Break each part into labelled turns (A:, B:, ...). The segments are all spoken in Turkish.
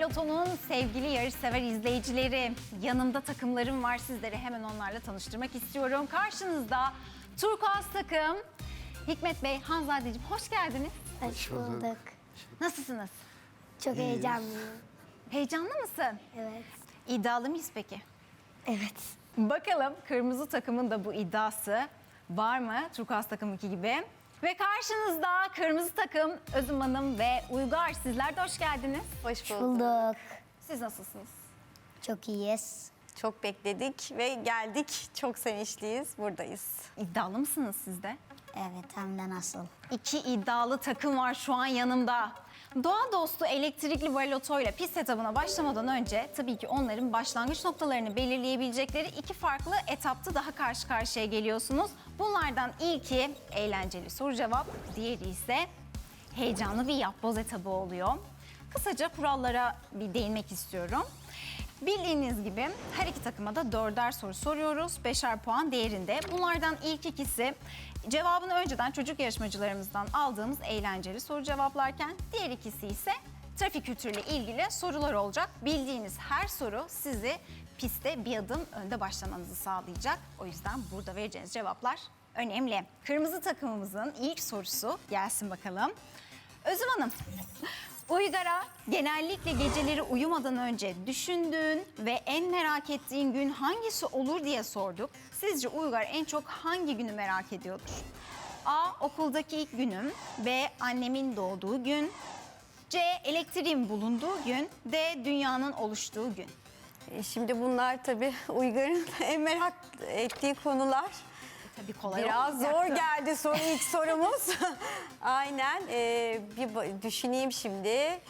A: Maraton'un sevgili yarışsever izleyicileri, yanımda takımlarım var, sizleri hemen onlarla tanıştırmak istiyorum. Karşınızda turkuaz takım. Hikmet Bey, Hanzadeciğim hoş geldiniz.
B: Hoş bulduk.
A: Nasılsınız?
B: Çok heyecanlıyım.
A: Heyecanlı mısın?
B: Evet.
A: İddialı mıyız peki?
B: Evet.
A: Bakalım kırmızı takımın da bu iddiası var mı turkuaz takımınki gibi? Ve karşınızda kırmızı takım Özüm Hanım ve Uygar, sizler de hoş geldiniz.
C: Hoş bulduk.
B: Bulduk.
A: Siz nasılsınız?
B: Çok iyiyiz.
C: Çok bekledik ve geldik. Çok sevinçliyiz. Buradayız.
A: İddialı mısınız siz de?
B: Evet, hem de nasıl?
A: İki iddialı takım var şu an yanımda. Doğa dostu elektrikli balotoyla pist etabına başlamadan önce tabii ki onların başlangıç noktalarını belirleyebilecekleri iki farklı etapta daha karşı karşıya geliyorsunuz. Bunlardan ilki eğlenceli soru cevap, diğeri ise heyecanlı bir yapboz etabı oluyor. Kısaca kurallara bir değinmek istiyorum. Bildiğiniz gibi her iki takıma da 4'er soru soruyoruz. 5'er puan değerinde. Bunlardan ilk ikisi cevabını önceden çocuk yarışmacılarımızdan aldığımız eğlenceli soru cevaplarken diğer ikisi ise trafik kültürüyle ilgili sorular olacak. Bildiğiniz her soru sizi pistte bir adım önde başlamanızı sağlayacak. O yüzden burada vereceğiniz cevaplar önemli. Kırmızı takımımızın ilk sorusu gelsin bakalım. Özüm Hanım, Uygar'a genellikle geceleri uyumadan önce düşündüğün ve en merak ettiğin gün hangisi olur diye sorduk. Sizce Uygar en çok hangi günü merak ediyordur? A. Okuldaki ilk günüm. B. Annemin doğduğu gün. C. Elektriğin bulunduğu gün. D. Dünyanın oluştuğu gün.
C: Şimdi bunlar tabii Uygar'ın en merak ettiği konular.
A: Tabii kolay
C: Biraz zor
A: olmayacaktı.
C: geldi ilk sorumuz. Aynen. Bir düşüneyim şimdi.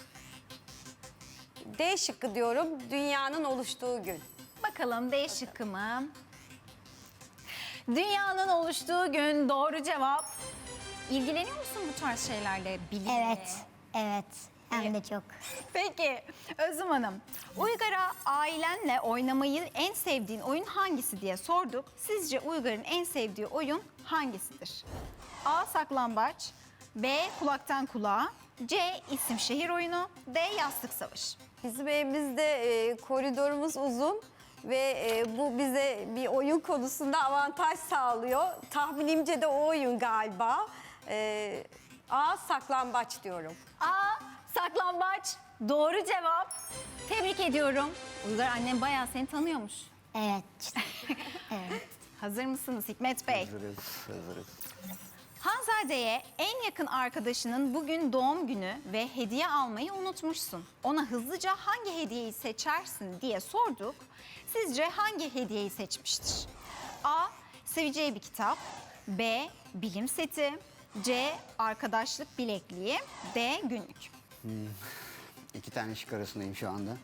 C: D şıkkı diyorum. Dünyanın oluştuğu gün.
A: Bakalım D şıkkı mı? Dünyanın oluştuğu gün doğru cevap. İlgileniyor musun bu tarz şeylerle? Bilimle?
B: Evet. Evet. Hem de çok.
A: Peki Özüm Hanım, Uygar'a ailenle oynamayı en sevdiğin oyun hangisi diye sorduk. Sizce Uygar'ın en sevdiği oyun hangisidir? A. Saklambaç. B. Kulaktan kulağa. C. İsim şehir oyunu. D. Yastık savaşı.
C: Bizim evimizde koridorumuz uzun ve bu bize bir oyun konusunda avantaj sağlıyor. Tahminimce de o oyun galiba. A. Saklambaç diyorum.
A: A. Saklambaç. Doğru cevap. Tebrik ediyorum. Uygar, annem bayağı seni tanıyormuş.
B: Evet. Evet.
A: Hazır mısınız Hikmet Bey?
D: Hazırız.
A: Hanzade'ye en yakın arkadaşının bugün doğum günü ve hediye almayı unutmuşsun. Ona hızlıca hangi hediyeyi seçersin diye sorduk. Sizce hangi hediyeyi seçmiştir? A. Seveceği bir kitap. B. Bilim seti. C. Arkadaşlık bilekliği. D. Günlük.
D: İki tane şık arasındayım şu anda.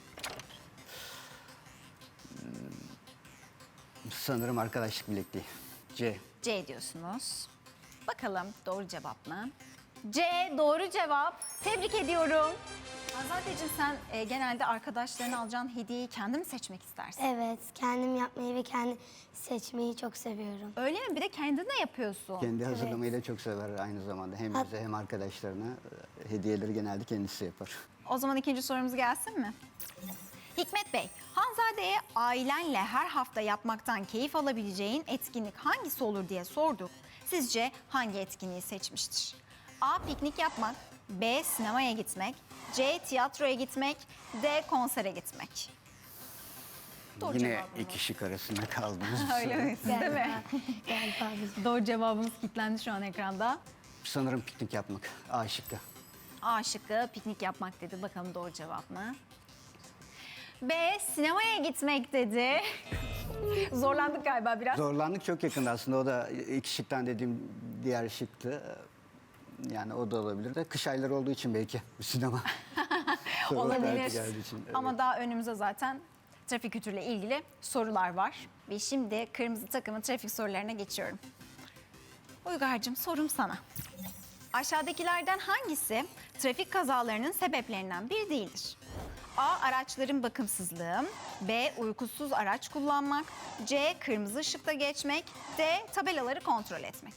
D: Sanırım arkadaşlık bilekliği. C.
A: C diyorsunuz. Bakalım doğru cevap mı? C doğru cevap. Tebrik ediyorum. Hanzadeciğim, sen genelde arkadaşlarına alacağın hediyeyi kendin mi seçmek istersin?
B: Evet. Kendim yapmayı ve kendi seçmeyi çok seviyorum.
A: Öyle mi? Bir de kendin de yapıyorsun.
D: Kendi hazırlamayı da çok sever aynı zamanda. Hem bize hem arkadaşlarına hediyeleri genelde kendisi yapar.
A: O zaman ikinci sorumuz gelsin mi? Hikmet Bey, Hanzade'ye ailenle her hafta yapmaktan keyif alabileceğin etkinlik hangisi olur diye sorduk. Sizce hangi etkinliği seçmiştir? A. Piknik yapmak. B. Sinemaya gitmek. C. Tiyatroya gitmek. D. Konsere gitmek. Doğru
D: Yine
A: cevabımız.
D: iki şık arasında kaldınız.
A: Öyle mi? Siz değil mi?
B: Galiba bizim.
A: Doğru cevabımız kilitlendi şu an ekranda.
D: Sanırım piknik yapmak. A şıkkı.
A: A şıkkı piknik yapmak dedi. Bakalım doğru cevap mı? B. Sinemaya gitmek dedi. Zorlandık galiba biraz.
D: Zorlandık, çok yakında aslında. O da iki şıktan dediğim diğer şıktı. Yani o da olabilir de kış ayları olduğu için belki sinema. Sorular belki
A: Olabilir.
D: geldiği için, evet.
A: Ama daha önümüzde zaten trafik kültürüyle ilgili sorular var. Ve şimdi kırmızı takımın trafik sorularına geçiyorum. Uygar'cığım, sorum sana. Aşağıdakilerden hangisi trafik kazalarının sebeplerinden biri değildir? A. Araçların bakımsızlığı. B. Uykusuz araç kullanmak. C. Kırmızı ışıkta geçmek. D. Tabelaları kontrol etmek.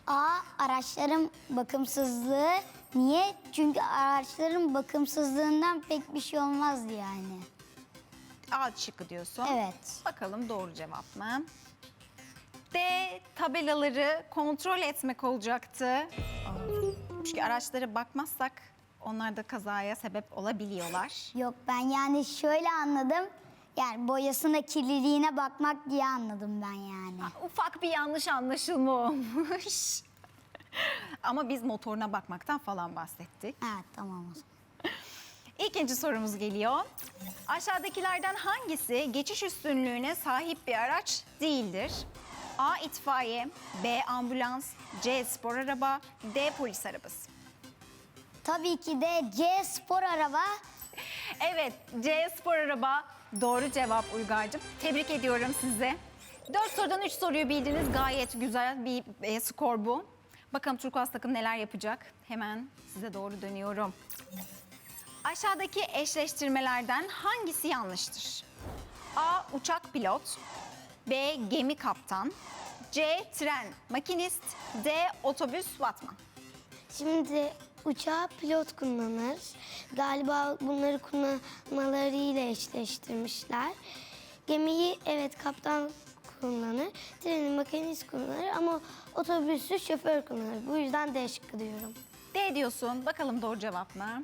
B: A. Araçların bakımsızlığı. Niye? Çünkü araçların bakımsızlığından pek bir şey olmazdı yani.
A: A şıkkı diyorsun.
B: Evet.
A: Bakalım doğru cevap mı? D. Tabelaları kontrol etmek olacaktı. Çünkü araçlara bakmazsak onlar da kazaya sebep olabiliyorlar.
B: Yok, ben yani şöyle anladım. Yani boyasına, kirliliğine bakmak diye anladım ben yani.
A: Ufak bir yanlış anlaşılma olmuş. Ama biz motoruna bakmaktan falan bahsettik.
B: Evet, tamam o zaman.
A: İkinci sorumuz geliyor. Aşağıdakilerden hangisi geçiş üstünlüğüne sahip bir araç değildir? A. itfaiye, B. ambulans, C. spor araba, D. polis arabası.
B: Tabii ki de C spor araba.
A: Evet, C. spor araba doğru cevap Uygar'cığım. Tebrik ediyorum sizi. 4 sorudan 3 soruyu bildiniz. Gayet güzel bir skor bu. Bakalım Turkuaz takım neler yapacak? Hemen size doğru dönüyorum. Aşağıdaki eşleştirmelerden hangisi yanlıştır? A. Uçak pilot, B. Gemi kaptan, C. Tren makinist, D. Otobüs vatman.
B: Şimdi uçağı pilot kullanır. Galiba bunları kullanmalarıyla eşleştirmişler. Gemiyi evet kaptan kullanır. Treni makinist kullanır ama otobüsü şoför kullanır. Bu yüzden D şıkkı diyorum.
A: D diyorsun. Bakalım doğru cevap mı?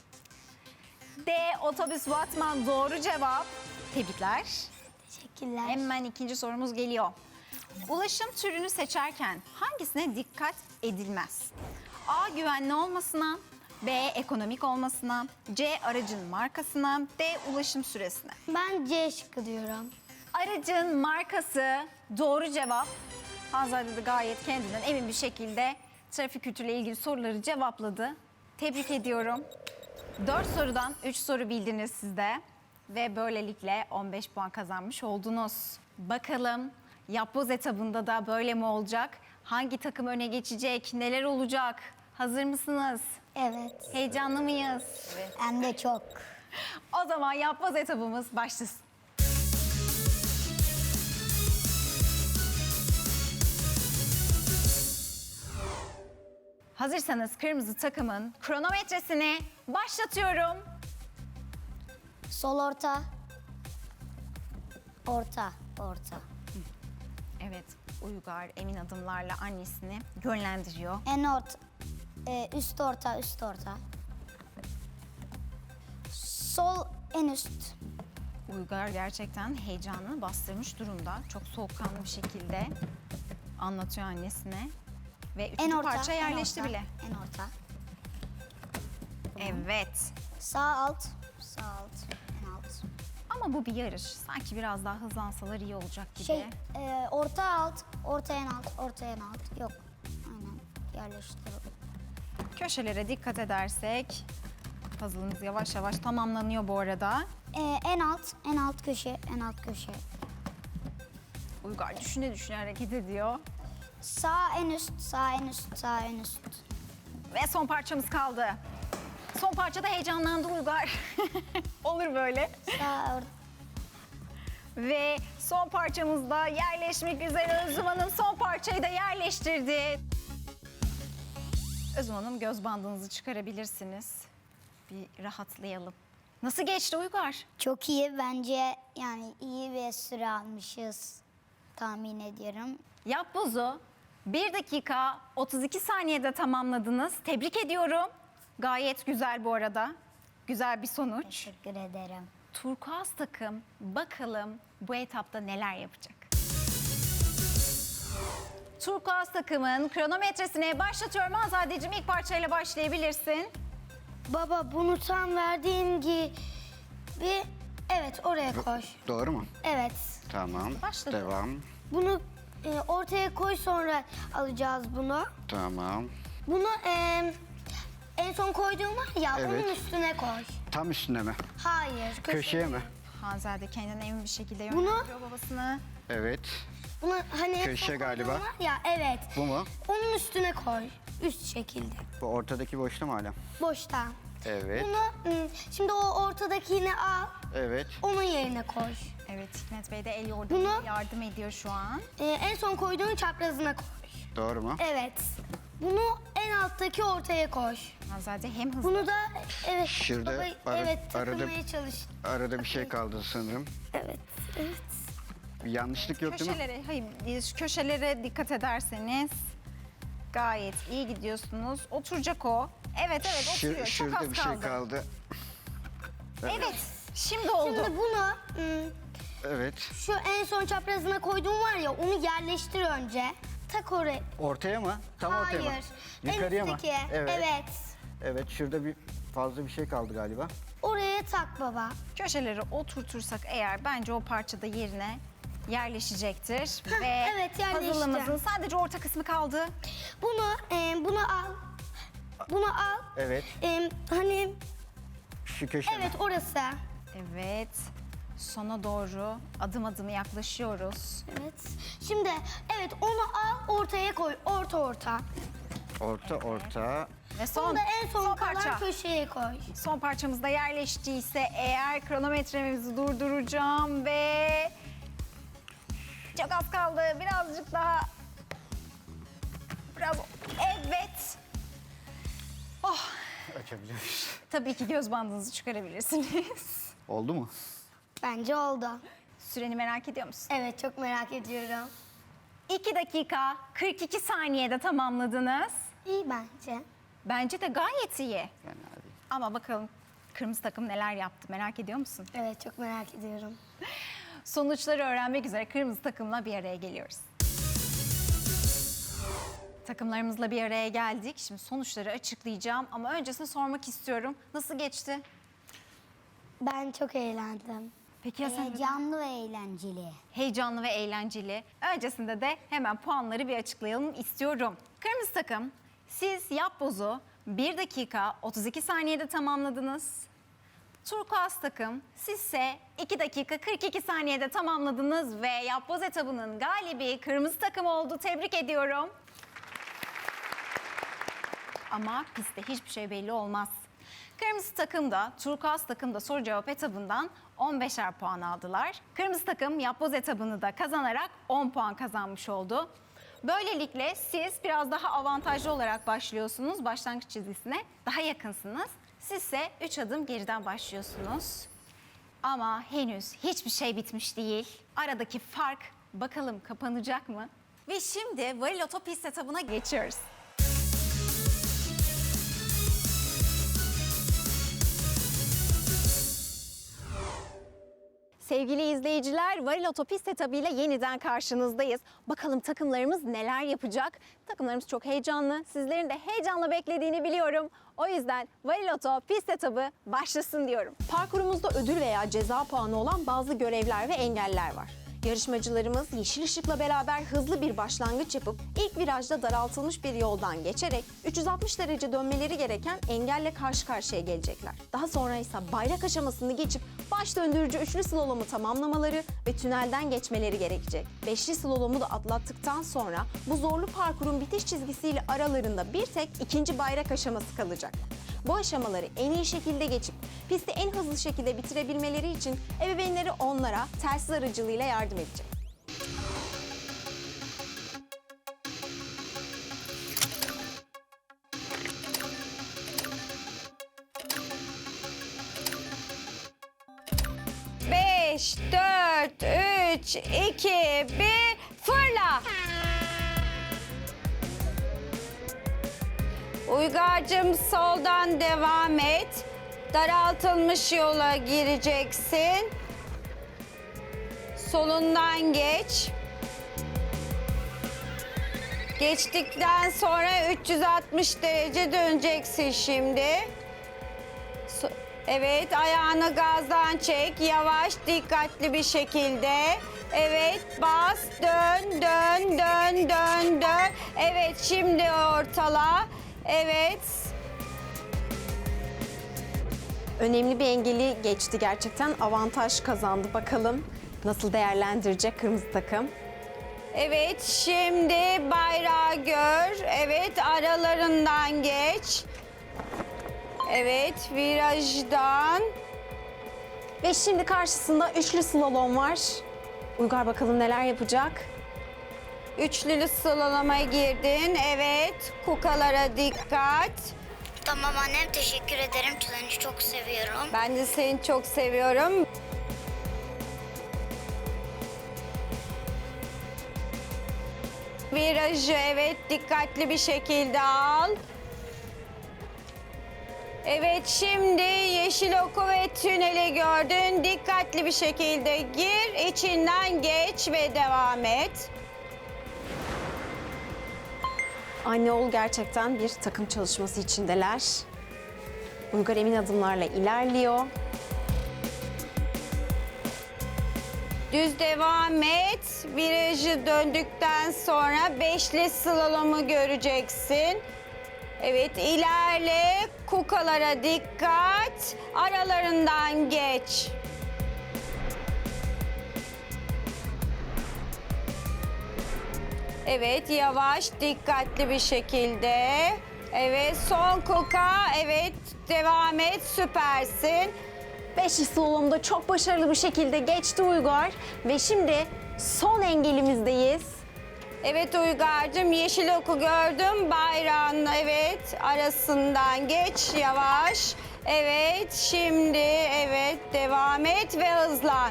A: D. Otobüs vatman doğru cevap. Tebrikler.
B: Teşekkürler.
A: Hemen ikinci sorumuz geliyor. Ulaşım türünü seçerken hangisine dikkat edilmez? A. Güvenli olmasına, B. Ekonomik olmasına, C. Aracın markasına, D. Ulaşım süresine.
B: Ben C şıkkı diyorum.
A: Aracın markası doğru cevap. Hanzade de gayet kendinden emin bir şekilde trafik kültürüyle ilgili soruları cevapladı. Tebrik ediyorum. 4 sorudan 3 soru bildiniz siz de. Ve böylelikle 15 puan kazanmış oldunuz. Bakalım yapboz etabında da böyle mi olacak? Hangi takım öne geçecek? Neler olacak? Hazır mısınız?
B: Evet.
A: Heyecanlı mıyız?
B: Hem de çok.
A: O zaman yapboz etabımız başlasın. Hazırsanız kırmızı takımın kronometresini başlatıyorum.
B: Sol orta. Orta. Orta.
A: Evet, Uygar emin adımlarla annesini yönlendiriyor.
B: En orta. Üst orta. Üst orta. Sol en üst.
A: Uygar gerçekten heyecanını bastırmış durumda. Çok soğukkanlı bir şekilde anlatıyor annesine. Ve
B: En
A: üçüncü
B: orta.
A: parça yerleşti
B: en orta,
A: bile.
B: En orta.
A: Evet.
B: Sağ alt. Sağ alt. En alt.
A: Ama bu bir yarış. Sanki biraz daha hızlansalar iyi olacak gibi.
B: Orta alt. Orta en alt. Orta en alt. Yok. Aynen. Yerleştirelim.
A: Köşelere dikkat edersek puzzle'ımız yavaş yavaş tamamlanıyor bu arada.
B: En alt. En alt köşe. En alt köşe.
A: Uygar düşüne düşüne hareket ediyor.
B: Sağ en üst. Sağ en üst. Sağ en üst.
A: Ve son parçamız kaldı. Son parçada heyecanlandı Uygar. Olur böyle.
B: Sağ orta.
A: Ve son parçamızda yerleşmek üzere Özlem Hanım son parçayı da yerleştirdi. Özlem Hanım göz bandınızı çıkarabilirsiniz. Bir rahatlayalım. Nasıl geçti Uygar?
B: Çok iyi bence, yani iyi bir süre almışız tahmin ediyorum.
A: Yapbozu 1 dakika 32 saniyede tamamladınız. Tebrik ediyorum. Gayet güzel bu arada. Güzel bir sonuç.
B: Teşekkür ederim.
A: Turkuaz takım bakalım bu etapta neler yapacak? Turkuaz takımın kronometresine başlatıyorum. Azadeciğim ilk parçayla başlayabilirsin.
B: Baba, bunu tam verdiğim gibi evet oraya koy.
D: Doğru mu?
B: Evet.
D: Tamam.
A: Başladı.
D: Devam.
B: Bunu ortaya koy, sonra alacağız bunu.
D: Tamam.
B: Bunu en son koyduğum var ya,
D: Evet.
B: onun üstüne koy.
D: Tam üstüne mi?
B: Hayır.
D: Köşeye mi?
A: Hanzade kendine emin bir şekilde
B: Bunu-
A: yönlendiriyor babasını.
D: Evet.
B: Bunu hani en
D: Köşe
B: son
D: galiba.
B: koyduğum var ya, evet.
D: Bu mu?
B: Onun üstüne koy. Üst şekilde.
D: Bu ortadaki boşta mı hala?
B: Boşta.
D: Evet.
B: Bunu şimdi o ortadakini al,
D: Evet.
B: onun yerine koy.
A: Evet Hikmet Bey de el yordamıyla
B: Bunu-
A: yardım ediyor şu an.
B: En son koyduğun çaprazına koy.
D: Doğru mu?
B: Evet. Bunu en alttaki ortaya koy.
A: Zaten hem hızlı.
B: Bunu da evet.
D: Şurada
B: baba, evet takılmaya çalış.
D: Arada bir şey kaldı sanırım.
B: Evet. Evet.
D: Bir yanlışlık yok değil mi?
A: Şu köşelere dikkat ederseniz gayet iyi gidiyorsunuz. Oturacak o. Evet oturuyor. Çok
D: Şurada
A: az
D: bir şey kaldı.
A: Evet. Şimdi oldu.
B: Şimdi bunu
D: Evet.
B: şu en son çaprazına koyduğum var ya onu yerleştir önce. Tak oraya.
D: Ortaya mı? Tam ortaya mı?
B: Hayır.
D: Yukarıya
B: en
D: mı?
B: üstteki.
D: Evet.
B: Evet.
D: Evet, şurada bir fazla bir şey kaldı galiba.
B: Oraya tak baba.
A: Köşeleri oturtursak eğer bence o parça da yerine yerleşecektir.
B: Heh,
A: Ve
B: evet, yerleşti.
A: puzzle'ımızın sadece orta kısmı kaldı.
B: Bunu al. Bunu al.
D: Evet.
B: Hani
D: Şu köşe mi?
B: evet orası.
A: Evet. Sona doğru adım adım yaklaşıyoruz.
B: Evet. Şimdi evet onu al ortaya koy. Orta.
D: Orta.
A: Ve son,
B: Onu da en son kalan
A: parça.
B: köşeye koy.
A: Son parçamız da yerleştiyse eğer kronometremizi durduracağım ve çok az kaldı. Birazcık daha. Evet. Oh,
D: Açabiliyoruz.
A: tabii ki göz bandınızı çıkarabilirsiniz.
D: Oldu mu?
B: Bence oldu.
A: Süreni merak ediyor musun?
B: Evet çok merak ediyorum.
A: 2 dakika 42 saniyede tamamladınız.
B: İyi bence.
A: Bence de gayet iyi.
D: Fena değil.
A: Ama bakalım kırmızı takım neler yaptı merak ediyor musun?
B: Evet çok merak ediyorum.
A: Sonuçları öğrenmek üzere kırmızı takımla bir araya geliyoruz. Takımlarımızla bir araya geldik. Şimdi sonuçları açıklayacağım ama öncesini sormak istiyorum. Nasıl geçti?
B: Ben çok eğlendim.
A: Peki ya sen?
E: Canlı ve eğlenceli.
A: Heyecanlı ve eğlenceli. Öncesinde de hemen puanları bir açıklayalım istiyorum. Kırmızı takım, siz yapbozu 1 dakika 32 saniyede tamamladınız. Turkuaz takım, sizse 2 dakika 42 saniyede tamamladınız ve yapboz etabının galibi kırmızı takım oldu. Tebrik ediyorum. Ama pistte hiçbir şey belli olmaz. Kırmızı takım da, turkuaz takım da soru cevap etabından 15'er puan aldılar. Kırmızı takım yapboz etabını da kazanarak 10 puan kazanmış oldu. Böylelikle siz biraz daha avantajlı olarak başlıyorsunuz. Başlangıç çizgisine daha yakınsınız. Sizse 3 adım geriden başlıyorsunuz. Ama henüz hiçbir şey bitmiş değil. Aradaki fark bakalım kapanacak mı? Ve şimdi Variloto pist etabına geçiyoruz. Sevgili izleyiciler, Variloto pist etabıyla yeniden karşınızdayız. Bakalım takımlarımız neler yapacak? Takımlarımız çok heyecanlı. Sizlerin de heyecanla beklediğini biliyorum. O yüzden Variloto pist etabı başlasın diyorum.
F: Parkurumuzda ödül veya ceza puanı olan bazı görevler ve engeller var. Yarışmacılarımız yeşil ışıkla beraber hızlı bir başlangıç yapıp ilk virajda daraltılmış bir yoldan geçerek 360 derece dönmeleri gereken engelle karşı karşıya gelecekler. Daha sonra ise bayrak aşamasını geçip baş döndürücü üçlü slalomu tamamlamaları ve tünelden geçmeleri gerekecek. Beşli slalomu da atlattıktan sonra bu zorlu parkurun bitiş çizgisiyle aralarında bir tek ikinci bayrak aşaması kalacak. Bu aşamaları en iyi şekilde geçip pisti en hızlı şekilde bitirebilmeleri için ebeveynleri onlara telsiz aracılığıyla yardım edecek.
C: Beş, dört, üç, iki, bir, fırla. Uygar'cığım soldan devam et. Daraltılmış yola gireceksin. Solundan geç. Geçtikten sonra 360 derece döneceksin şimdi. Evet, ayağını gazdan çek. Yavaş, dikkatli bir şekilde. Evet, bas, dön, dön, dön, dön, dön. Evet, şimdi ortala. Evet.
F: Önemli bir engeli geçti gerçekten. Avantaj kazandı. Bakalım nasıl değerlendirecek kırmızı takım.
C: Evet, şimdi bayrağı gör. Evet, aralarından geç. Evet, virajdan.
F: Ve şimdi karşısında üçlü slalom var. Uygar bakalım neler yapacak?
C: Üçlülü slaloma girdin. Evet. Kukalara dikkat.
B: Tamam annem, teşekkür ederim. Seni çok seviyorum.
C: Ben de seni çok seviyorum. Virajı evet dikkatli bir şekilde al. Evet şimdi yeşil oku ve tüneli gördün. Dikkatli bir şekilde gir, içinden geç ve devam et.
F: Anne oğul gerçekten bir takım çalışması içindeler. Uygar emin adımlarla ilerliyor.
C: Düz devam et. Virajı döndükten sonra beşli slalomu göreceksin. Evet ilerle. Kukalara dikkat. Aralarından geç. Evet yavaş dikkatli bir şekilde. Evet son kuka. Evet devam et süpersin.
F: Beşli slalomda çok başarılı bir şekilde geçti Uygar. Ve şimdi son engelimizdeyiz.
C: Evet Uygar'cığım yeşil oku gördüm. Bayrağın evet arasından geç yavaş. Evet şimdi evet devam et ve hızlan.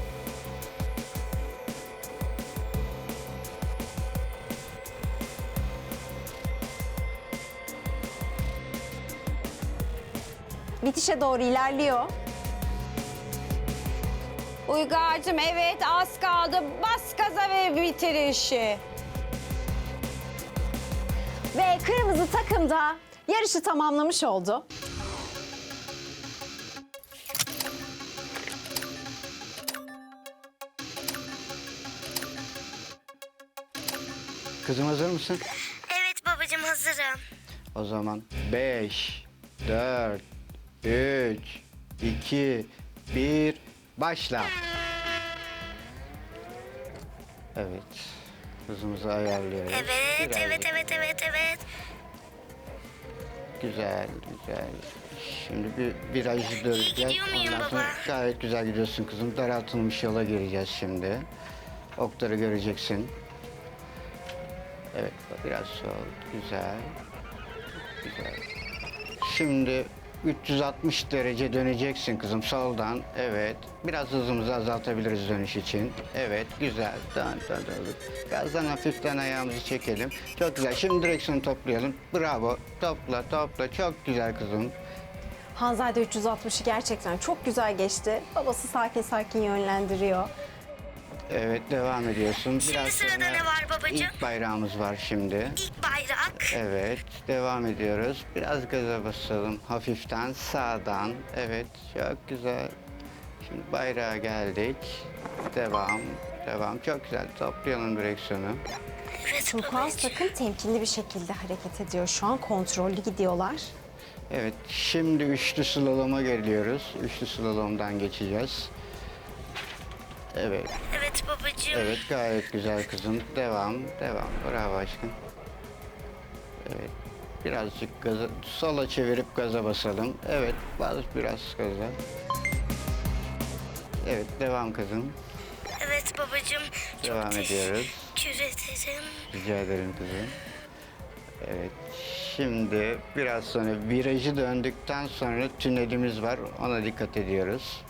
F: Bitişe doğru ilerliyor.
C: Uygar'cığım evet az kaldı. Bas gaza ve bitir işi.
F: Ve kırmızı takım da yarışı tamamlamış oldu.
D: Kızım hazır mısın?
B: Evet babacığım, hazırım.
D: O zaman 5, 4, 3, 2, 1, başla. Evet. Hızımızı ayarlıyoruz.
B: Evet,
D: Biraz
B: evet, evet, evet, evet.
D: Güzel, güzel. Şimdi bir virajı döneceğiz.
B: gidiyor muyum
D: Ondan sonra
B: baba?
D: gayet güzel gidiyorsun kızım. Daraltılmış yola gireceğiz şimdi. Okları göreceksin. Evet, biraz sol. Güzel. Güzel. Şimdi 360 derece döneceksin kızım soldan. Evet. Biraz hızımızı azaltabiliriz dönüş için. Evet, güzel. Dön, dön, dön. Gazdan hafiften ayağımızı çekelim. Çok güzel. Şimdi direksiyonu toplayalım. Bravo. Topla, topla. Çok güzel kızım.
F: Hanzade 360'ı gerçekten çok güzel geçti. Babası sakin sakin yönlendiriyor.
D: Evet, devam ediyorsun.
B: Şimdi sırada ne var babacığım?
D: İlk bayrağımız var şimdi.
B: İlk bayrak.
D: Evet, devam ediyoruz. Biraz gaza basalım hafiften sağdan. Evet, çok güzel. Şimdi bayrağa geldik. Devam, devam. Çok güzel. Toplayalım direksiyonu.
B: Evet
F: Turkuaz takım temkinli bir şekilde hareket ediyor. Şu an kontrollü gidiyorlar.
D: Evet, şimdi üçlü slaloma geliyoruz. Üçlü slalomdan geçeceğiz. Evet,
B: Evet babacığım.
D: evet gayet güzel kızım. Devam, devam. Bravo aşkım. Evet, birazcık gaza, sola çevirip gaza basalım. Evet, bas biraz gaza. Evet, devam kızım.
B: Evet babacığım.
D: Devam ediyoruz.
B: Teşekkür ederim.
D: Rica ederim kızım. Evet, şimdi biraz sonra virajı döndükten sonra tünelimiz var. Ona dikkat ediyoruz.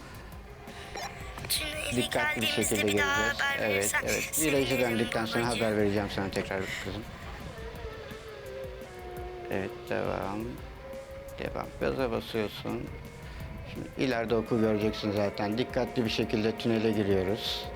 B: Tüneli
D: Dikkatli bir şekilde
B: geldiğimizde bir daha
D: geleceğiz.
B: haber
D: Evet,
B: verirsen
D: evet. Virajı
B: sevinirim
D: döndükten sonra
B: babacığım.
D: haber vereceğim sana tekrar kızım. Evet, devam. Devam. Gaza basıyorsun. Şimdi ileride oku göreceksin zaten. Dikkatli bir şekilde tünele giriyoruz.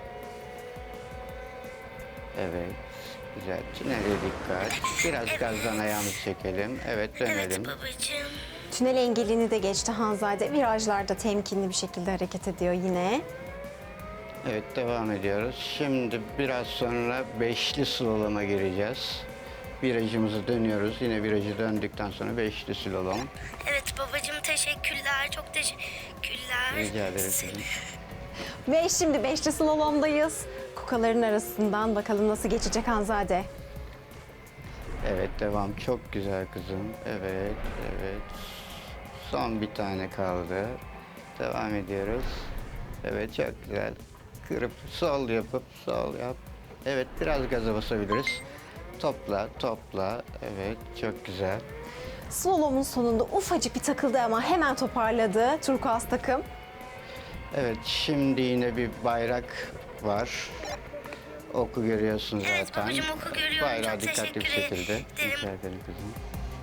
D: Evet. Güzel. Tünele dikkat. Biraz gazdan ayağımızı çekelim. Evet, dönelim.
B: Evet babacığım.
F: Tünel engelini de geçti Hanzade. Virajlarda temkinli bir şekilde hareket ediyor yine.
D: Evet, devam ediyoruz. Şimdi biraz sonra beşli slaloma gireceğiz. Virajımızı dönüyoruz. Yine virajı döndükten sonra beşli slalom.
B: Evet babacığım, teşekkürler. Çok teşekkürler.
D: Rica ederim kızım.
F: Ve şimdi beşli slalomdayız. Kukaların arasından bakalım nasıl geçecek Hanzade.
D: Evet, devam. Çok güzel kızım. Evet, evet. Son bir tane kaldı. Devam ediyoruz. Evet, çok güzel. Kırıp sol yapıp sol yap. Evet, biraz gaza basabiliriz. Topla, topla. Evet, çok güzel.
F: Slalomun sonunda ufacık bir takıldı ama hemen toparladı turkuaz takım.
D: Evet, şimdi yine bir bayrak var. Oku görüyorsun zaten.
B: Evet babacığım, oku görüyorum.
D: Bayrağı
B: Çok
D: dikkatli bir
B: teşekkür
D: şekilde.
B: ederim.
D: Rica ederim kızım.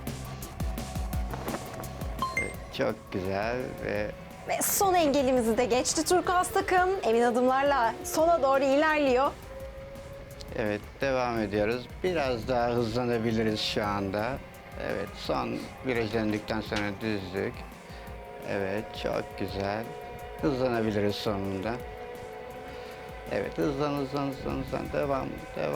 D: Evet, çok güzel ve
F: Ve son engelimizi de geçti turkuaz takım. Emin adımlarla sona doğru ilerliyor.
D: evet, devam ediyoruz. Biraz daha hızlanabiliriz şu anda. Evet, son viraj döndükten sonra düzlük. Evet, çok güzel. Hızlanabiliriz sonunda. Evet, hızlan. Devam.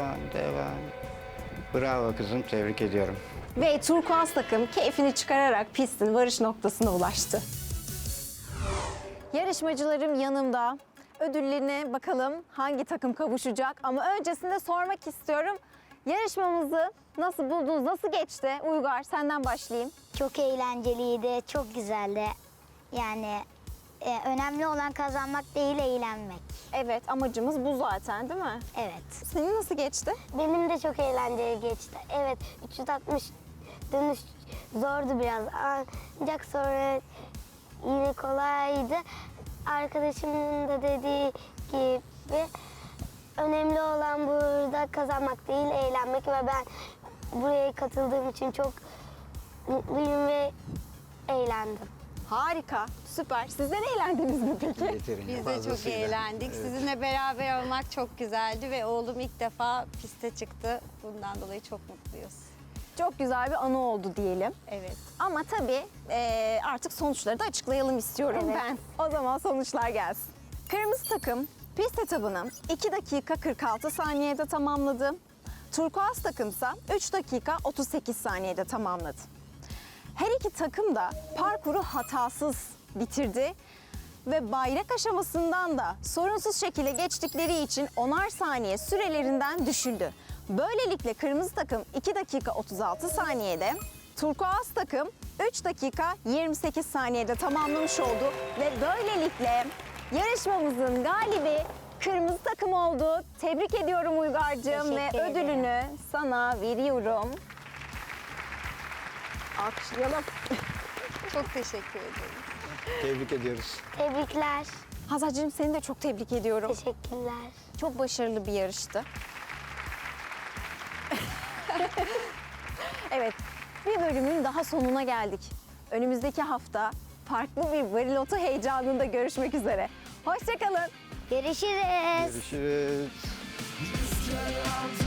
D: Bravo kızım, tebrik ediyorum.
F: Ve turkuaz takım keyfini çıkararak pistin varış noktasına ulaştı. Yarışmacılarım yanımda. Ödüllerine bakalım hangi takım kavuşacak. Ama öncesinde sormak istiyorum. Yarışmamızı nasıl buldunuz, nasıl geçti? Uygar, senden başlayayım.
E: Çok eğlenceliydi, çok güzeldi. Yani önemli olan kazanmak değil, eğlenmek.
F: Evet, amacımız bu zaten değil mi?
E: Evet.
F: Senin nasıl geçti?
B: Benim de çok eğlenceli geçti. Evet, 360 dönüş zordu biraz. Ancak sonra yine kolaydı. Arkadaşımın da dediği gibi önemli olan burada kazanmak değil, eğlenmek ve ben buraya katıldığım için çok mutluyum ve eğlendim.
F: Harika, süper. Sizler eğlendiniz mi peki?
D: Yeterince
C: Biz de çok
D: fazlasıyla.
C: eğlendik.
D: Evet.
C: Sizinle beraber olmak çok güzeldi ve oğlum ilk defa piste çıktı. Bundan dolayı çok mutluyuz.
F: Çok güzel bir anı oldu diyelim.
C: Evet.
F: Ama tabii artık sonuçları da açıklayalım istiyorum ben. O zaman sonuçlar gelsin. Kırmızı takım pist etabını 2 dakika 46 saniyede tamamladı. Turkuaz takımsa 3 dakika 38 saniyede tamamladı. Her iki takım da parkuru hatasız bitirdi ve bayrak aşamasından da sorunsuz şekilde geçtikleri için 10'ar saniye sürelerinden düşüldü. Böylelikle kırmızı takım 2 dakika 36 saniyede, turkuaz takım 3 dakika 28 saniyede tamamlamış oldu ve böylelikle yarışmamızın galibi kırmızı takım oldu. Tebrik ediyorum Uygar'cığım ve
E: Teşekkür ederim.
F: ödülünü sana veriyorum. Alkışlayalım.
C: Çok teşekkür ederim.
D: Tebrik ediyoruz.
B: Tebrikler,
F: Hazar'cığım seni de çok tebrik ediyorum.
B: teşekkürler.
F: Çok başarılı bir yarıştı. Evet, bir bölümün daha sonuna geldik. Önümüzdeki hafta farklı bir bariloto heyecanında görüşmek üzere. Hoşça kalın.
E: Görüşürüz.
D: Görüşürüz.